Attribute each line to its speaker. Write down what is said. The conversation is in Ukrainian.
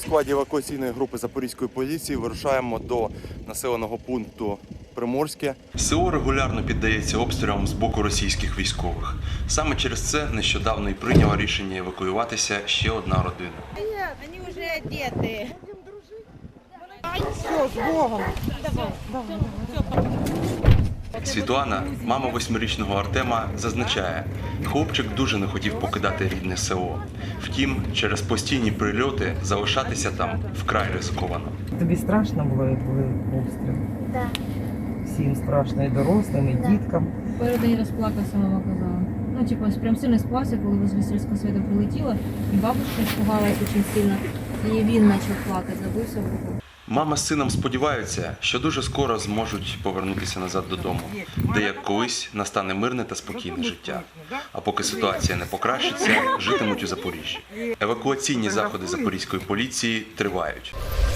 Speaker 1: складі евакуаційної групи Запорізької поліції вирушаємо до населеного пункту Приморське.
Speaker 2: село регулярно піддається обстрілам з боку російських військових. Саме через це нещодавно і прийняла рішення евакуюватися ще одна родина.
Speaker 3: Они уже одеты.
Speaker 4: Все, с Богом.
Speaker 2: Світлана, мама 8-річного Артема, зазначає, хлопчик дуже не хотів покидати рідне село. Втім, через постійні прильоти залишатися там вкрай ризиковано.
Speaker 4: Тобі страшно було, як були обстріли?
Speaker 3: Да.
Speaker 4: Всім страшно, і дорослим, і діткам.
Speaker 5: Перед день розплакався, мама казала. Ну, типу, прям сильно спався, коли возле сільського світу прилетіло, і бабушка испугалась дуже сильно, і він почав плакати, забився в руку.
Speaker 2: Мама з сином сподіваються, що дуже скоро зможуть повернутися назад додому, де, як колись, настане мирне та спокійне життя. А поки ситуація не покращиться, житимуть у Запоріжжі. Евакуаційні заходи Запорізької поліції тривають.